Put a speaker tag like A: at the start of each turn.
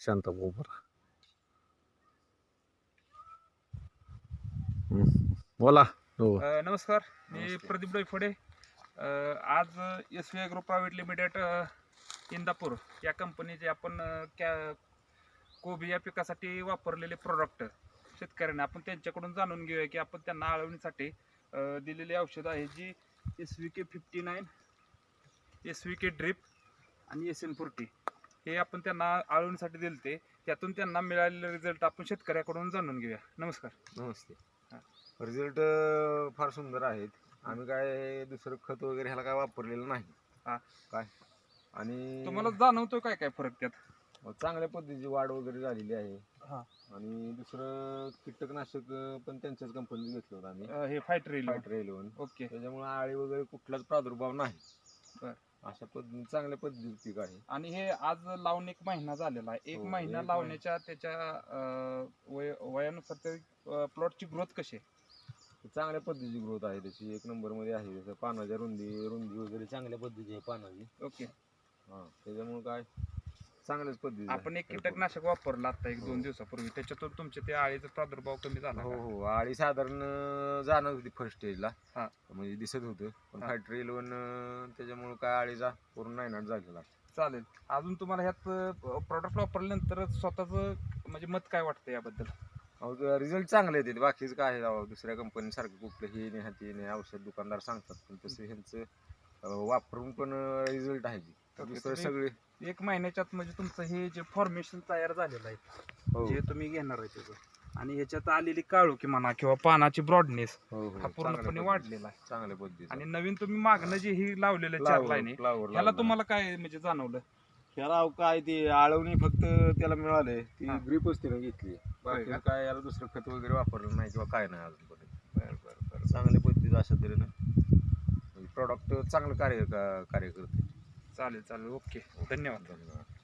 A: शांत बरोबर. बोला. हो.
B: नमस्कार, मी
C: नमस्ते.
B: प्रदीप डोईफोडे. आज SVI group private limited Indapur या कंपनीचे आपण कोबी या पिकासाठी वापरलेले प्रोडक्ट शेतकऱ्यांना आपण त्यांच्याकडून जाणून घेऊया की आपण त्यांना आळवणीसाठी दिलेली औषधं आहे जी SVK 59, SVK ड्रिप आणि SN40 हे आपण त्यांना आळवणीसाठी दिलते. त्यातून त्यांना मिळालेले रिझल्ट आपण शेतकऱ्याकडून जाणून घेऊया. नमस्कार.
C: नमस्ते.
B: हा.
C: रिझल्ट फार सुंदर आहेत. आम्ही काय दुसरं खत वगैरे ह्याला काय वापरलेलं नाही.
B: हा.
C: काय आणि
B: तुम्हाला जाणवतो काय काय फरक त्यात?
C: चांगल्या पद्धतीची वाढ वगैरे झालेली आहे.
B: हा.
C: आणि दुसरं कीटकनाशक पण त्यांच्याच कंपनीत घेतलं होतं आम्ही,
B: हे फायटर
C: फायटर 11.
B: ओके.
C: त्याच्यामुळे आळी वगैरे कुठलाच प्रादुर्भाव नाही.
B: बर.
C: अशा पद्धतीने चांगल्या पद्धतीचं पीक आहे.
B: आणि हे आज लावून 1 महिना झालेला आहे. 1
C: हो,
B: महिना
C: 1
B: लावण्याच्या त्याच्या वयानुसार प्लॉटची ग्रोथ कशी आहे?
C: चांगल्या पद्धतीची ग्रोथ आहे त्याची, 1 नंबर मध्ये आहे. जसं पानाच्या रुंदी वगैरे चांगल्या पद्धतीची आहे पानाची.
B: ओके.
C: हा, त्याच्यामुळे काय चांगल्याच पद्धती.
B: आपण एक कीटकनाशक वापरलं आता 1-2 दिवसापूर्वी, त्याच्यातून तुमचे ते आळीचा प्रादुर्भाव कमी झाला
C: हो
B: का?
C: हो, आळी साधारण जाणवत होती फर्स्ट स्टेजला.
B: हा.
C: म्हणजे दिसत होतं, पण
B: हा.
C: फायटर 11 त्याच्यामुळे काय आळीचा पूर्ण नायनाट झालेला.
B: चालेल. अजून तुम्हाला ह्यात प्रॉडक्ट वापरल्यानंतर स्वतःच म्हणजे मत काय वाटतं याबद्दल?
C: रिझल्ट चांगले येते. बाकीच काय आहे राव, दुसऱ्या कंपनीसारखं कुठलं हे नाही हाती नाही औषध दुकानदार सांगतात, पण तसं ह्यांचं वापरून पण रिझल्ट आहे. दुसरं सगळे
B: 1 महिन्याच्यात म्हणजे तुमचं हे जे फॉर्मेशन तयार झालेलं आहे,
C: हो
B: जे तुम्ही घेणार आहे त्याचं, आणि ह्याच्यात आलेली काळोखी म्हणा किंवा पानाची ब्रॉडनेस
C: हो हो,
B: हा पूर्णपणे वाढलेला आहे.
C: चांगल्या पद्धतीचं.
B: आणि नवीन तुम्ही मागणं जे ही लावलेलं 4 लाईनी, ह्याला तुम्हाला काय म्हणजे जाणवलं?
C: ह्याला काय ते आळवणी फक्त त्याला मिळाले, ती
B: हा.
C: ग्रीपच तिने घेतली. बाकी
B: का?
C: काय याला दुसरं खत वगैरे वापरलं नाही किंवा काय नाही अजूनपर्यंत.
B: बरं बरं बरं.
C: चांगल्या पद्धतीचं अशा तऱ्हेनं प्रॉडक्ट चांगलं कार्य करते.
B: चालेल चालेल, ओके, धन्यवाद.
C: धन्यवाद.